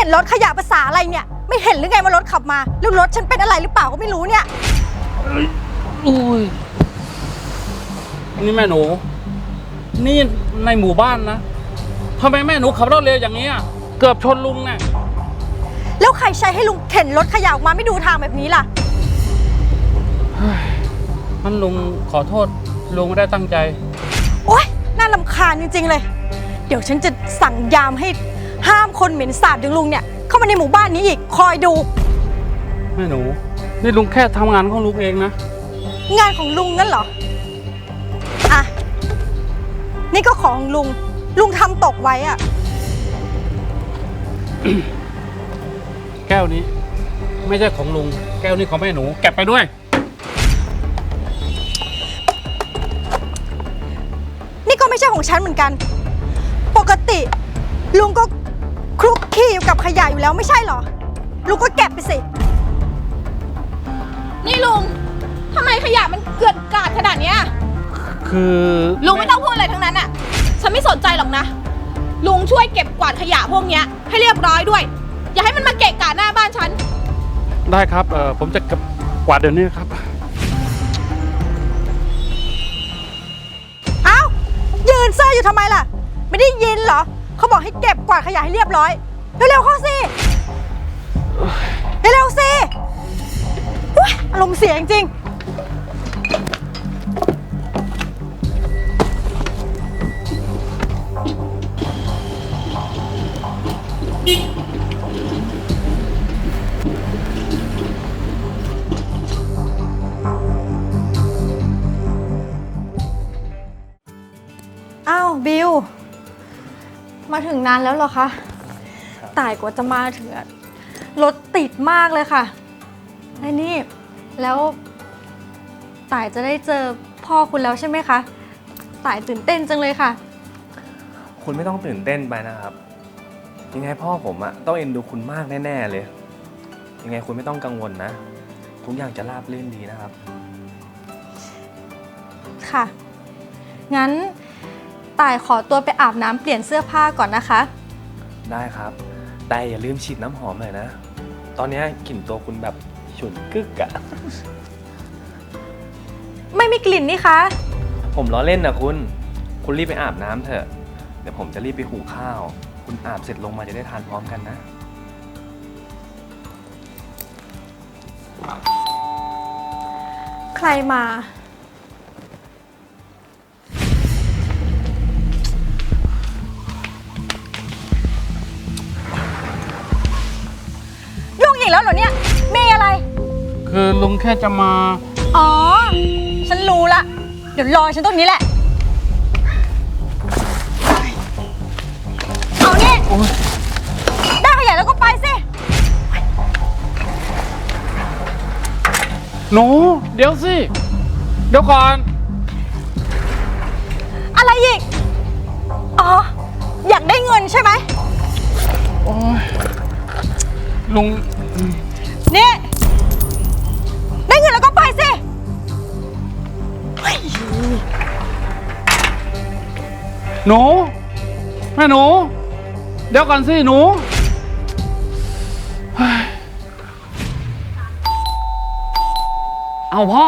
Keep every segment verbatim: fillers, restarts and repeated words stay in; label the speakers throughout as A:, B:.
A: รถขยะภาษาอะไรเนี่ยไม่เห็นหรือไงว่ารถขับมาแล้วรถฉันเป็นอะไรหรือเปล่าก็ไม่รู้เนี่ย
B: อุ้ยนี่แม่หนูนี่ในหมู่บ้านนะทำไมแม่หนูขับรถเร็วอย่างนี้เกือบชนลุงเนี่ย
A: แล้วใครใช้ให้ลุงเข็นรถขยะออกมาไม่ดูทางแบบนี้ล่ะ
B: มันลุงขอโทษลุงไม่ได้ตั้งใจ
A: โอ๊ยน่ารำคาญจริงๆเลยเดี๋ยวฉันจะสั่งยามให้ห้ามคนเหม็นสาบอย่างลุงเนี่ยเข้ามาในหมู่บ้านนี้อีกคอยดู
B: แม่หนูนี่ลุงแค่ทำงานของลุงเองนะ
A: งานของลุงงั้นเหรออ่ะนี่ก็ของลุงลุงทำตกไว้อะ
B: แก้วนี้ไม่ใช่ของลุงแก้วนี้ของแม่หนูเก็บไปด้วย
A: นี่ก็ไม่ใช่ของฉันเหมือนกันปกติลุงก็คลุกคลีอยู่กับขยะอยู่แล้วไม่ใช่เหรอลุงก็เก็บไปสิ
C: นี่ลุงทำไมขยะมันเกลื่อนกลาดขนาดนี้
B: คือ
C: ลุงไม่ต้องพูดอะไรทั้งนั้นอ่ะฉันไม่สนใจหรอกนะลุงช่วยเก็บกวาดขยะพวกนี้ให้เรียบร้อยด้วยอย่าให้มันมาเกะกะหน้าบ้านฉัน
B: ได้ครับเออผมจะเก็บกวาดเดี๋ยวนี้ครับ
A: เอ้ายืนเซ่ออยู่ทำไมล่ะไม่ได้ยินเหรอเขาบอกให้เก็บกวาดขยะให้เรียบร้อยเร็วๆเข้าสิเร็วๆสิอารมณ์เสียจริงอ้าวบิวมาถึงนานแล้วเหรอคะต่ายกว่าจะมาถึงรถติดมากเลยค่ะไอ้นี่แล้วต่ายจะได้เจอพ่อคุณแล้วใช่ไหมคะต่ายตื่นเต้นจังเลยค่ะ
D: คุณไม่ต้องตื่นเต้นไปนะครับยังไงพ่อผมอะต้องเอ็นดูคุณมากแน่ๆเลยยังไงคุณไม่ต้องกังวลนะทุกอย่างจะราบรื่นดีนะครับ
A: ค่ะงั้นต่ายขอตัวไปอาบน้ำเปลี่ยนเสื้อผ้าก่อนนะคะ
D: ได้ครับแต่อย่าลืมฉีดน้ำหอมหน่อยนะตอนนี้กลิ่นตัวคุณแบบฉุนกึกอะ
A: ไม่มีกลิ่นนี่คะ
D: ผมล้อเล่นนะคุณคุณรีบไปอาบน้ำเถอะเดี๋ยวผมจะรีบไปหุงข้าวคุณอาบเสร็จลงมาจะได้ทานพร้อมกันนะ
A: ใครมายุ่งอีกแล้วเหรอเนี่ยมีอะไร
B: คือลุงแค่จะมา
A: อ๋อฉันรู้ละเดี๋ยวรอฉันตรงนี้แหละเอานี่ได้ขยะแล้วก็ไปสิ
B: หนูเดี๋ยวสิเดี๋ยวก่อน
A: อะไรอีกอ๋ออยากได้เงินใช่ไหม
B: โอ้ยลุง
A: นี่ได้เงินแล้วก็ไปสิ
B: หนูแม่หนูเดี๋ยวก่อนสิหนู
D: เอาพ่อ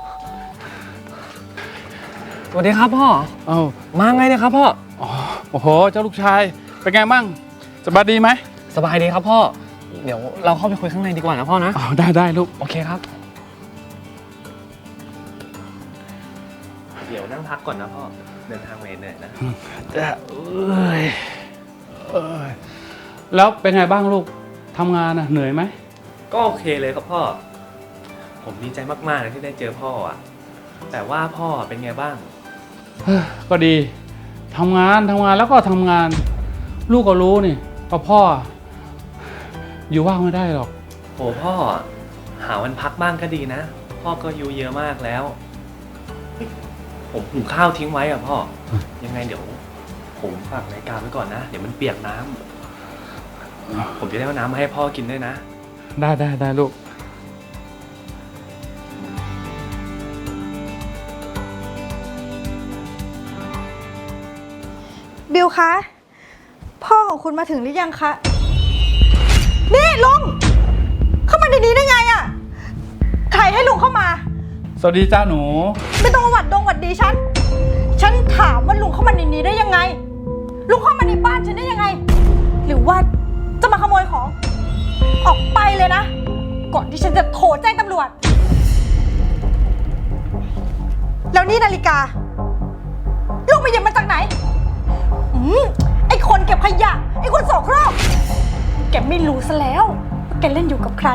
D: สวัสดีครับพ่อ
B: เอา
D: มาไงเนี่ยครับพ่อ
B: โอ้โหเจ้าลูกชายเป็นไงบ้างสบายดีไหม
D: สบายดีครับพ่อเดี๋ยวเราเข้าไปคุยข้างในดีกว่านะพ่อนะ
B: อ๋อได้ได้ลูก
D: โอเคครับเดี๋ยวนั่งพักก่อนนะพ่อเดินทางมาเหนื่อยนะ
B: จะเอ้ยเอ้ยแล้วเป็นไงบ้างลูกทำงานน่ะเหนื่อยไหม
D: ก็โอเคเลยครับพ่อผมดีใจมากๆเลยที่ได้เจอพ่ออ่ะแต่ว่าพ่อเป็นไงบ้าง
B: ก็ดีทำงานทำงานแล้วก็ทำงานลูกก็รู้นี่ว่าพ่ออยู่ว่างไม่ได้หรอก
D: โอ้พ่อหาวันพักบ้างก็ดีนะพ่อก็อายุเยอะมากแล้วผมหุงข้าวทิ้งไว้อ่ะพ่อยังไงเดี๋ยวผมฝากนาฬิกาไว้ก่อนนะเดี๋ยวมันเปียกน้ำผมจะได้เอาน้ำมาให้พ่อกินด้วยนะ
B: ได้ได้ได้ลูก
A: บิวคะพ่อของคุณมาถึงหรือยังคะนี่ลุงเข้ามาในนี้ได้ไงอะใครให้ลุงเข้ามา
B: สวัสดีจ้าหนู
A: ไม่ต้องมาหวัดดงหวัดดีฉัน ฉันถามว่าลุงเข้ามาในนี้ได้ยังไง ลุงเข้ามาในบ้านฉันได้ยังไง หรือว่าจะมาขโมยของ ออกไปเลยนะ ก่อนที่ฉันจะโทรแจ้งตำรวจ แล้วนี่นาฬิกา ลุงไปหยิบมาจากไหน อืมไอคนเก็บขยะ ไอคนโสโครกแกไม่รู้ซะแล้วว่าแกเล่นอยู่กับใคร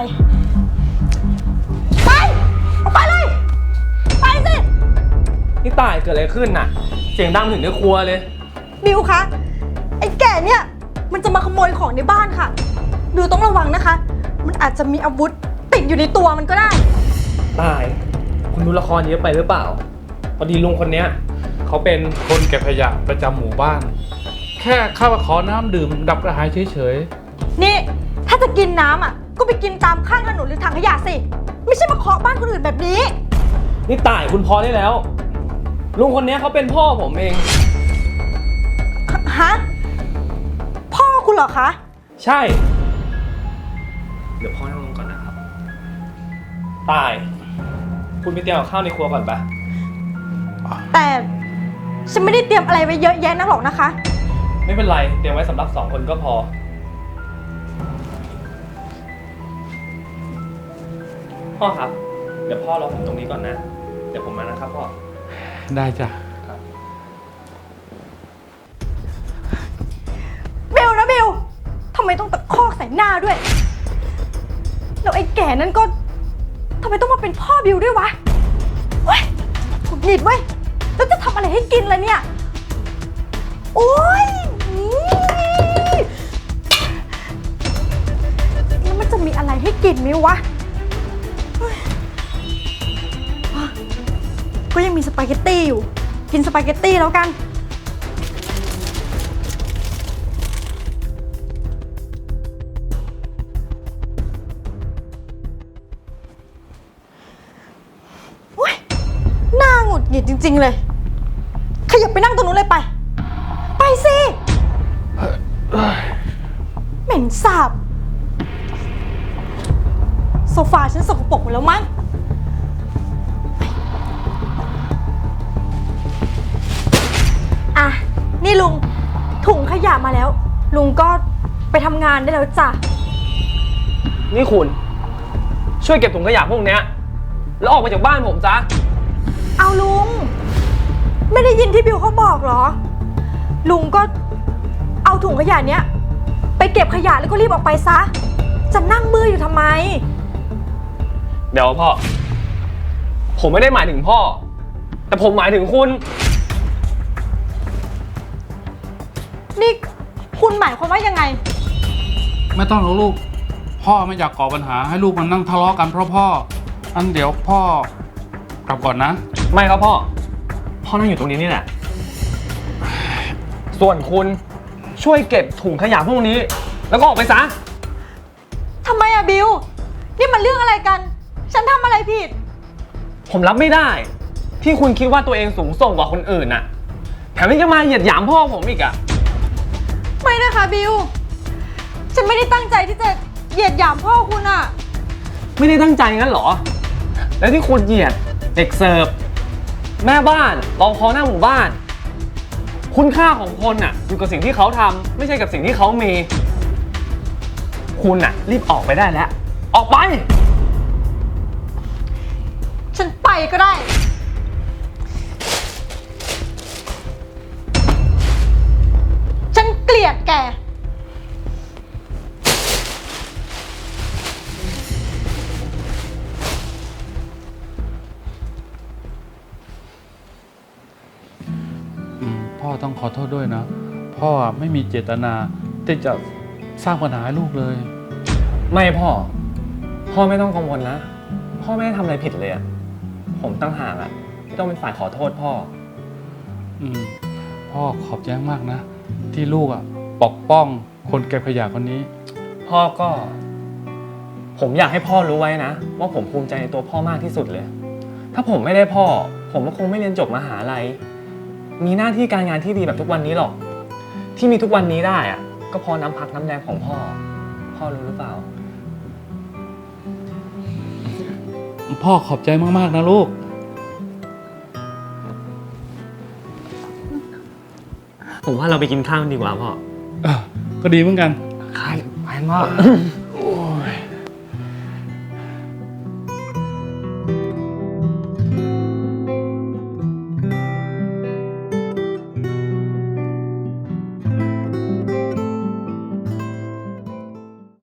A: ไป ออกไปเลย ไปสิ
D: นี่ตายเกิดอะไรขึ้นน่ะ เสียงดังถึงในครัวเลย
A: บิวคะ ไอ้แก่เนี่ย มันจะมาขโมยของในบ้านค่ะ บิวต้องระวังนะคะ มันอาจจะมีอาวุธติดอยู่ในตัวมันก็ได้
D: ตาย คุณดูละครเยอะไปหรือเปล่า พอดีลุงคนเนี้ยเขาเป็น
B: คนเก็บขยะประจำหมู่บ้าน แค่เข้ามาขอน้ำดื่มดับกระหายเฉย
A: นี่ ถ้าจะกินน้ำอ่ะ ก็ไปกินตามข้างถนนหรือถังขยะสิ ไม่ใช่มาเคาะบ้านคนอื่นแบบนี้
D: นี่ตายคุณพอได้แล้ว ลุงคนเนี้ยเขาเป็นพ่อผมเอง
A: ฮะ พ่อคุณเหรอคะ
D: ใช่ เดี๋ยวพ่อนั่งลงก่อนนะครับ ตาย คุณไปเตรียมกับข้าวในครัวก่อนปะ
A: แต่ฉันไม่ได้เตรียมอะไรไว้เยอะแยะนักหรอกนะคะ
D: ไม่เป็นไร เตรียมไว้สำหรับสองคนก็พอ พ่อครับ เดี๋ยวพ่อรอผมตรงนี้ก่อนนะ เดี๋ยวผมมานะครับพ่อ
B: ๆ ได้จ้ะ
A: บิวนะบิวทำไมต้องตะคอกใส่หน้าด้วย แล้วไอ้แก่นั้นก็ทำไมต้องมาเป็นพ่อบิวด้วยวะเว้ยหงุดหงิดเว้ย แล้วจะทำอะไรให้กินล่ะเนี่ย โอ๊ยนี่แล้วมันจะมีอะไรให้กินไหมวะเฮ้ยอ่ะก็ยังมีสปาเกตตี้อยู่ กินสปาเกตตี้แล้วกัน หน้าหงุดหงิดจริงๆเลย ขยับไปนั่งตรงนู้นเลยไป ไปสิ เหม็นสาบ โซฟาฉันสกปรกหมดแล้วมั้ง อ่ะ นี่ลุง ถุงขยะมาแล้ว ลุงก็ไปทำงานได้แล้วจ้ะ
D: นี่คุณ ช่วยเก็บถุงขยะพวกเนี้ย แล้วออกไปจากบ้านผมซะ
A: เอาลุง ไม่ได้ยินที่บิวเขาบอกเหรอ ลุงก็เอาถุงขยะเนี้ยไปเก็บขยะแล้วก็รีบออกไปซะ จะนั่งมืออยู่ทำไม
D: เดี๋ยวพ่อ ผมไม่ได้หมายถึงพ่อ แต่ผมหมายถึงคุณ
A: นี่คุณหมายความว่ายังไง
B: ไม่ต้องหรอกลูก พ่อไม่อยากก่อปัญหาให้ลูกมันนั่งทะเลาะกันเพราะพ่อ อันเดี๋ยวพ่อกลับก่อนนะ
D: ไม่ครับพ่อ พ่อนั่งอยู่ตรงนี้นี่แหละ ส่วนคุณช่วยเก็บถุงขยะพวกนี้ แล้วก็ออกไปซะ
A: ทำไมอะบิว นี่มันเรื่องอะไรกัน ฉันทำอะไรผิด
D: ผมรับไม่ได้ ที่คุณคิดว่าตัวเองสูงส่งกว่าคนอื่นน่ะ แถมยังมาเหยียดหยามพ่อผมอีกอะ
A: ไม่นะคะบิว ฉันไม่ได้ตั้งใจที่จะเหยียดหยามพ่อคุณอะ
D: ไม่ได้ตั้งใจงั้นเหรอ แล้วที่คุณเหยียดเด็กเสิร์ฟแม่บ้านรอพอหน้าหมู่บ้าน คุณค่าของคนน่ะอยู่กับสิ่งที่เขาทำไม่ใช่กับสิ่งที่เขามี คุณน่ะรีบออกไปได้แล้ว ออกไป
A: ฉันไปก็ได้ ฉันเกลียดแก
B: อืมพ่อต้องขอโทษด้วยนะ พ่อไม่มีเจตนาที่จะสร้างปัญหาให้ลูกเลย
D: ไม่พ่อ พ่อไม่ต้องกังวลนะ พ่อไม่ได้ทำอะไรผิดเลยอะผมตั้งหากอะที่ต้องเป็นฝ่ายขอโทษพ่อ
B: อืมพ่อขอบใจมากนะ ที่ลูกอ่ะปกป้องคนเก็บขยะคนนี้
D: พ่อก็ ผมอยากให้พ่อรู้ไว้นะ ว่าผมภูมิใจในตัวพ่อมากที่สุดเลย ถ้าผมไม่ได้พ่อ ผมก็คงไม่เรียนจบมหาลัยมีหน้าที่การงานที่ดีแบบทุกวันนี้หรอก ที่มีทุกวันนี้ได้อะก็เพราะน้ำพักน้ำแรงของพ่อพ่อรู้หรือเปล่า
B: พ่อขอบใจมากๆนะลูก
D: ผมว่าเราไปกินข้าวดีกว่าพ่อ
B: เออก็ดีเหมือนกัน
D: ครับไปพ่อ